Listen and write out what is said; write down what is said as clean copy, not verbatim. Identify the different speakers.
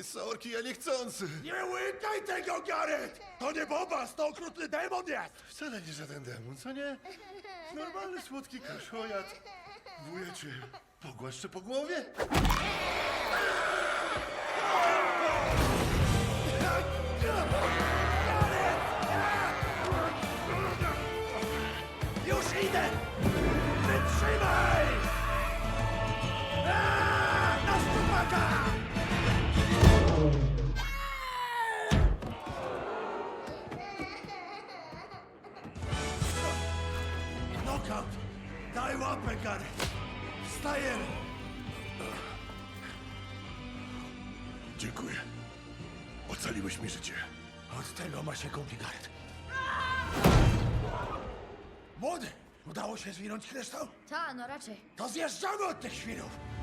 Speaker 1: Sorki, ja niechcący.
Speaker 2: Nie łykaj tego, Gareth! To nie Bobas, to okrutny demon jest!
Speaker 1: Wcale nie żaden demon, co nie? Normalny, słodki kaszojat. Wujecie, pogłaszczę po głowie?
Speaker 2: Już idę! Wytrzymaj! Na stupaka! Knockout! Daj łapę, Gareth! Wstajemy!
Speaker 1: Dziękuję. Ocaliłeś mi życie.
Speaker 2: Od tego ma się kupi, Gareth. Młody! Udało się zwinąć kryształ?
Speaker 3: Ta, no raczej.
Speaker 2: To zjeżdżamy od tych świrów!